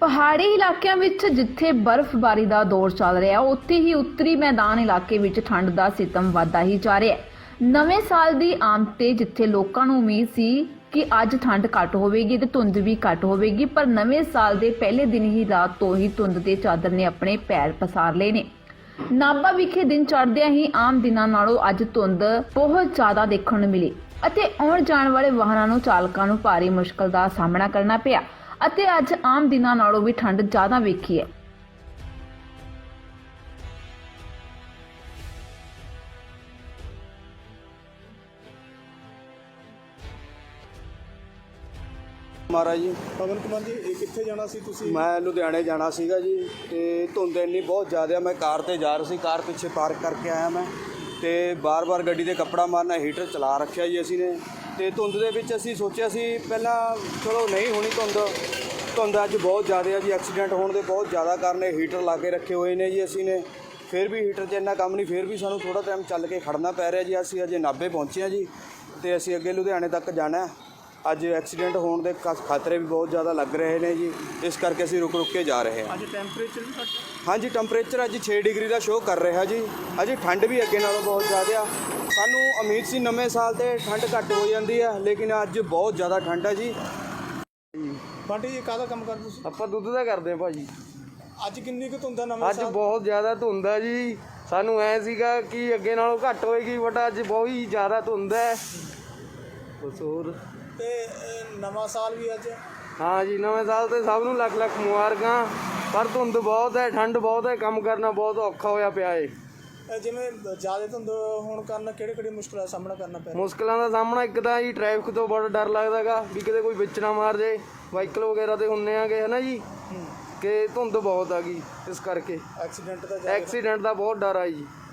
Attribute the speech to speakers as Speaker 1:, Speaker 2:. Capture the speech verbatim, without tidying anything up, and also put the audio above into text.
Speaker 1: ਪਹਾੜੀ ਇਲਾਕਿਆਂ ਵਿੱਚ ਜਿੱਥੇ ਬਰਫ਼ਬਾਰੀ ਦਾ ਦੌਰ ਚੱਲ ਰਿਹਾ ਉੱਥੇ ਹੀ ਉੱਤਰੀ ਮੈਦਾਨ ਇਲਾਕੇ ਵਿੱਚ ਠੰਡ ਦਾ ਸਿਤਮ ਵਧਦਾ ਹੀ ਜਾ ਰਿਹਾ ਹੈ। ਨਵੇਂ ਸਾਲ ਦੀ ਆਮਦ ਤੇ ਜਿੱਥੇ ਲੋਕਾਂ ਨੂੰ ਉਮੀਦ ਸੀ ਕਿ ਅੱਜ ਠੰਡ ਘੱਟ ਹੋਵੇਗੀ ਤੇ ਧੁੰਦ ਵੀ ਘੱਟ ਹੋਵੇਗੀ, ਪਰ ਨਵੇਂ ਸਾਲ ਦੇ ਪਹਿਲੇ ਦਿਨ ਹੀ ਰਾਤ ਤੋਂ ਹੀ ਧੁੰਦ ਤੇ ਚਾਦਰ ਨੇ ਆਪਣੇ ਪੈਰ ਪਸਾਰ ਲਏ ਨੇ। ਨਾਭਾ ਵਿਖੇ ਦਿਨ ਚੜ੍ਹਦਿਆਂ ਹੀ ਆਮ ਦਿਨਾਂ ਨਾਲੋਂ ਅੱਜ ਧੁੰਦ ਬਹੁਤ ਜ਼ਿਆਦਾ ਦੇਖਣ ਨੂੰ ਮਿਲੀ ਅਤੇ ਆਉਣ ਜਾਣ ਵਾਲੇ ਵਾਹਨਾਂ ਨੂੰ ਚਾਲਕਾਂ ਨੂੰ ਭਾਰੀ ਮੁਸ਼ਕਲ ਦਾ ਸਾਹਮਣਾ ਕਰਨਾ ਪਿਆ ਅਤੇ ਅੱਜ ਆਮ ਦਿਨਾਂ ਨਾਲੋਂ ਵੀ ਠੰਡ ਜ਼ਿਆਦਾ ਵੇਖੀ ਹੈ।
Speaker 2: महाराज जी
Speaker 3: पवन कुमार जी ये कित्थे जाना सी तुसी?
Speaker 2: मैं लुधियाने जाना सीगा जी ते धुंद इन्नी बहुत ज़्यादा मैं कार ते जा रहा सी, कार पिछे पार्क करके आया मैं ते बार बार गड्डी ते कपड़ा मारना हीटर चला रखा जी असी ने ते धुंद दे विच असी सोचिया सी पहला चलो नहीं होनी धुंद धुंद अज बहुत ज़्यादा है जी, एक्सीडेंट होने के बहुत ज़्यादा कारण हीटर ला के रखे हुए ने जी असी ने, फिर भी हीटर च इन्ना काम नहीं, फिर भी सानू थोड़ा टाइम चल के खड़ना पै रहा जी। असी अजे नाभे पहुँचे हैं जी ते असी अगे लुधियाने तक जाना है। अज एक्सीडेंट होने के खतरे भी बहुत ज़्यादा लग रहे हैं जी, इस करके असी रुक रुक के जा रहे हैं।
Speaker 3: अज टैंपरेचर भी घट?
Speaker 2: हाँ जी टैंपरेचर अज छे डिग्री का शो कर रहा जी। अज ठंड भी अगे नालों बहुत ज़्यादा, सानू उम्मीद सी नवे साल ते ठंड घट हो जाती है, लेकिन अज बहुत ज़्यादा ठंड है जी।
Speaker 3: बांटी जी काहदा काम करदे सी?
Speaker 4: ਆਪਾਂ ਦੁੱਧ ਦਾ ਕਰਦੇ ਆ ਭਾਜੀ।
Speaker 3: ਅੱਜ ਕਿੰਨੀ ਕੁ ਧੁੰਦ ਆ ਨਵੇਂ
Speaker 4: ਅੱਜ
Speaker 3: ਸਾਲ?
Speaker 4: ਬਹੁਤ ਜ਼ਿਆਦਾ ਧੁੰਦ ਆ ਜੀ, ਸਾਨੂੰ ਐ ਸੀਗਾ ਕਿ ਅੱਗੇ ਨਾਲੋਂ ਘੱਟ ਹੋਏਗੀ, ਬਟ ਅੱਜ ਬਹੁਤ ਹੀ ਜ਼ਿਆਦਾ ਧੁੰਦ ਹੈ। ਬਸ ਹੋਰ
Speaker 3: ਤੇ ਇਹ ਨਵਾਂ ਸਾਲ ਵੀ ਅੱਜ?
Speaker 4: ਹਾਂ ਜੀ, ਨਵੇਂ ਸਾਲ ਤੇ ਸਭ ਨੂੰ ਲੱਖ ਲੱਖ ਮੁਬਾਰਕਾਂ, ਪਰ ਧੁੰਦ ਬਹੁਤ ਹੈ, ਠੰਡ ਬਹੁਤ ਹੈ, ਕੰਮ ਕਰਨਾ ਬਹੁਤ ਔਖਾ ਹੋਇਆ ਪਿਆ ਏ।
Speaker 3: ਇਹ ਜਿਵੇਂ ਜ਼ਿਆਦਾ ਧੁੰਦ ਹੋਣ ਕਾਰਨ ਕਿਹੜੇ ਕਿਹੜੇ ਮੁਸ਼ਕਲਾਂ ਦਾ ਸਾਹਮਣਾ ਕਰਨਾ ਪੈ ਰਿਹਾ?
Speaker 4: ਮੁਸ਼ਕਲਾਂ ਦਾ ਸਾਹਮਣਾ ਇੱਕ ਤਾਂ ਜੀ ਟ੍ਰੈਫਿਕ ਤੋਂ ਬੜਾ ਡਰ ਲੱਗਦਾ ਗਾ ਵੀ ਕਿਤੇ ਕੋਈ ਵਿੱਚ ਨਾ ਮਾਰ ਜੇ, ਵਾਹੀਕਲ ਵਗੈਰਾ ਤੇ ਹੁੰਨੇ ਆਗੇ ਹੈ ਨਾ ਜੀ, ਕਿ ਧੁੰਦ ਬਹੁਤ ਆ ਗਈ, ਇਸ ਕਰਕੇ
Speaker 3: ਐਕਸੀਡੈਂਟ ਦਾ ਜ਼ਿਆਦਾ?
Speaker 4: ਐਕਸੀਡੈਂਟ ਦਾ ਬਹੁਤ ਡਰ ਆ ਜੀ।